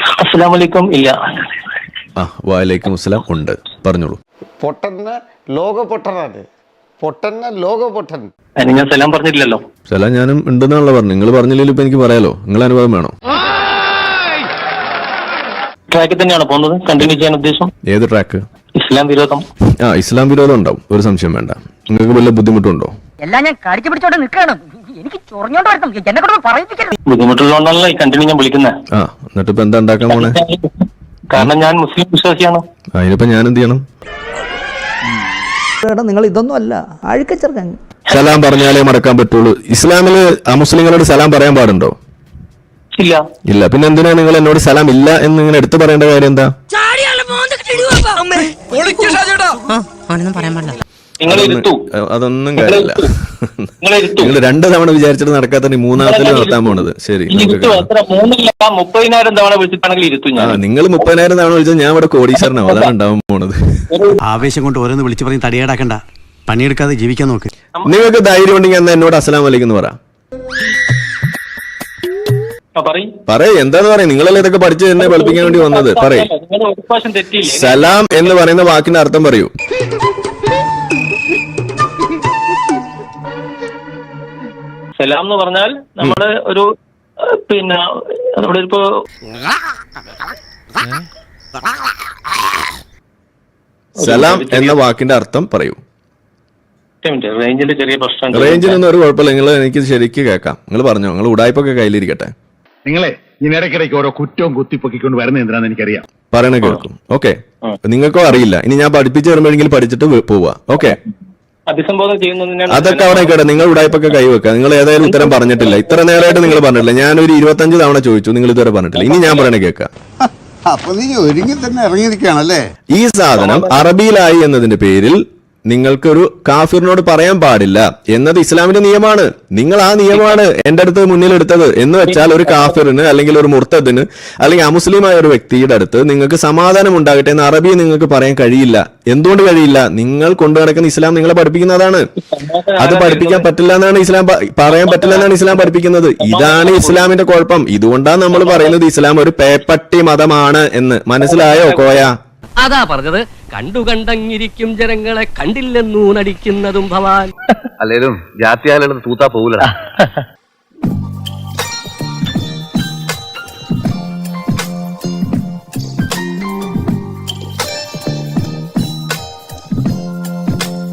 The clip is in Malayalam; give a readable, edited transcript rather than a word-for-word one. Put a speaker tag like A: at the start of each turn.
A: അസ്സലാമലൈക്കും. ഇല്ല.
B: വലൈക്കും അസ്സലാം ഉണ്ട്, പറഞ്ഞോളൂ.
C: പൊട്ടന് ലോക പൊട്ടനാണ്, പൊട്ടന് ലോക പൊട്ടൻ.
A: അതിന് ഞാൻ സലാം പറഞ്ഞിട്ടില്ലല്ലോ.
B: സലാം ഞാനും ഉണ്ടെന്നാണല്ലോ പറഞ്ഞു. നിങ്ങൾ പറഞ്ഞില്ലല്ലോ, ഇപ്പൊ എനിക്ക് പറയാലോ. നിങ്ങൾ അനുഭവം വേണോ?
A: ട്രാക്കിൽ തന്നെയാണ് പോകുന്നത്, കണ്ടിന്യൂ ചെയ്യാൻ ഉദ്ദേശം.
B: ഏത് ട്രാക്ക്?
A: ഇസ്ലാം വിരോധം.
B: ഇസ്ലാം വിരോധം ഉണ്ടാവും, ഒരു സംശയം വേണ്ട. നിങ്ങൾക്ക് വല്ല ബുദ്ധിമുട്ടുണ്ടോ?
D: എല്ലാം ഞാൻ കടിച്ചു പിടിച്ചോണ്ട് നിൽക്കണം. എനിക്ക് ചൊറിഞ്ഞോണ്ട് വരണം, എന്നെ കൊണ്ട് പറയിപ്പിക്കരുത്.
A: ബുദ്ധിമുട്ടുള്ളതുകൊണ്ടാണല്ലോ ഈ കണ്ടിന്യൂ ഞാൻ വിളിക്കുന്നത്.
B: എന്നിട്ട് ഇപ്പൊ എന്താ ഉണ്ടാക്കാൻ പോണേ?
A: കാരണം ഞാൻ മുസ്ലിം വിശ്വാസിയാണ്.
B: അതിനിപ്പോ ഞാൻ എന്ത് ചെയ്യണം?
E: നിങ്ങൾ ഇതൊന്നും അല്ല, അഴുക്കച്ചെറുക്കൻ.
B: സലാം പറഞ്ഞാലേ മടക്കാൻ പറ്റുള്ളൂ. ഇസ്ലാമില് അമുസ്ലിങ്ങളോട് സലാം പറയാൻ പാടുണ്ടോ?
A: ഇല്ല.
B: ഇല്ല. പിന്നെ എന്തിനാ നിങ്ങൾ എന്നോട് സലാം ഇല്ല എന്ന് ഇങ്ങനെ എടുത്തു പറയേണ്ട കാര്യം എന്താ? അതൊന്നും കാര്യമില്ല. നിങ്ങൾ 2 തവണ വിചാരിച്ചിട്ട് നടക്കാത്ത മൂന്നാമത്തിൽ നടത്താൻ പോണത്. ശരി,
A: 30,000 തവണ വിളിച്ചിട്ടാണെങ്കിൽ ഇരുത്തും.
B: നിങ്ങൾ 30,000 തവണ വിളിച്ചാൽ ഞാൻ ഇവിടെ കോടീശ്വരനാവും. അതാണ് ഉണ്ടാവാൻ പോണത്.
F: ആവേശം കൊണ്ട് ഓരോന്ന് വിളിച്ചു പറഞ്ഞ് തടിയേടാക്കണ്ട, പണിയെടുക്കാതെ ജീവിക്കാൻ നോക്ക്.
B: നിങ്ങൾക്ക് ധൈര്യം ഉണ്ടെങ്കിൽ എന്നാ എന്നോട് അസ്സലാം വലൈക്കും എന്ന് പറ. പറയ്, എന്താന്ന് പറയാ? നിങ്ങളല്ലേ ഇതൊക്കെ പഠിച്ച് എന്നെ പഠിപ്പിക്കാൻ വേണ്ടി വന്നത്. പറയ്, സലാം എന്ന് പറയുന്ന വാക്കിന്റെ അർത്ഥം പറയൂ.
A: സലാം എന്ന് പറഞ്ഞാൽ നമ്മുടെ ഒരു പിന്നെ നമ്മുടെ ഇപ്പോ
B: സലാം എന്ന വാക്കിന്റെ അർത്ഥം പറയൂ.
A: റേഞ്ചിന്റെ ചെറിയ പ്രശ്നം.
B: റേഞ്ചിനൊന്നും ഒരു കുഴപ്പമില്ല. നിങ്ങൾ എനിക്ക് ശരിക്ക് കേൾക്കാം. നിങ്ങൾ പറഞ്ഞോ. നിങ്ങൾ ഉടായ്പൊക്കെ കയ്യിലിരിക്കട്ടെ.
G: നിങ്ങളെ ഇടയ്ക്കിടയ്ക്ക് ഓരോ കുറ്റവും കുത്തിപ്പൊക്കിക്കൊണ്ട് വരുന്നത് എന്തിനാന്ന് എനിക്കറിയാം.
B: പറയണ കേൾക്കും. ഓക്കെ, നിങ്ങൾക്കോ അറിയില്ല. ഇനി ഞാൻ പഠിപ്പിച്ചു തരുമ്പോഴെങ്കിലും പഠിച്ചിട്ട് പോവാ. ഓക്കെ,
A: അഭിസംബോധന ചെയ്യുന്നതിനാണ്.
B: അതൊക്കെ അവിടെ കേട്ടെ. നിങ്ങൾ ഉടായ്പൊക്കെ കൈവെക്കുക. നിങ്ങൾ ഏതായാലും ഉത്തരം പറഞ്ഞിട്ടില്ല. ഇത്ര നേരമായിട്ട് നിങ്ങൾ പറഞ്ഞിട്ടില്ല. ഞാനൊരു 25 തവണ ചോദിച്ചു, നിങ്ങൾ ഇതുവരെ പറഞ്ഞിട്ടില്ല. ഇനി ഞാൻ പറയണ കേൾക്കാം.
H: അപ്പൊ നീ ഒരുങ്ങി തന്നെ ഇറങ്ങിയിരിക്കുകയാണല്ലേ.
B: ഈ സാധനം അറബിയിലായി എന്നതിന്റെ പേരിൽ നിങ്ങൾക്കൊരു കാഫിറിനോട് പറയാൻ പാടില്ല എന്നത് ഇസ്ലാമിന്റെ നിയമമാണ്. നിങ്ങൾ ആ നിയമമാണ് എന്റെ അടുത്ത് മുന്നിലെടുത്തത്. എന്ന് വെച്ചാൽ ഒരു കാഫിറിന് അല്ലെങ്കിൽ ഒരു മുർത്തദിന് അല്ലെങ്കിൽ അമുസ്ലിമായ ഒരു വ്യക്തിയുടെ അടുത്ത് നിങ്ങൾക്ക് സമാധാനം ഉണ്ടാകട്ടെ എന്ന് അറബി നിങ്ങൾക്ക് പറയാൻ കഴിയില്ല. എന്തുകൊണ്ട് കഴിയില്ല? നിങ്ങൾ കൊണ്ടു നടക്കുന്ന ഇസ്ലാം നിങ്ങളെ പഠിപ്പിക്കുന്നതാണ്. അത് പഠിപ്പിക്കാൻ പറ്റില്ല എന്നാണ് ഇസ്ലാം, പറയാൻ പറ്റില്ല എന്നാണ് ഇസ്ലാം പഠിപ്പിക്കുന്നത്. ഇതാണ് ഇസ്ലാമിന്റെ കുഴപ്പം. ഇതുകൊണ്ടാണ് നമ്മൾ പറയുന്നത് ഇസ്ലാം ഒരു പേപ്പട്ടി മതമാണ് എന്ന്. മനസ്സിലായോ കോയ?
I: അതാ പറഞ്ഞത്, കണ്ടുകണ്ടങ്ങിരിക്കും ജനങ്ങളെ കണ്ടില്ലെന്നൂനടിക്കുന്നതും ഭവാൻ.
J: അല്ലേലും ജാത്യാലും തൂത്താ പോകൂലടാ.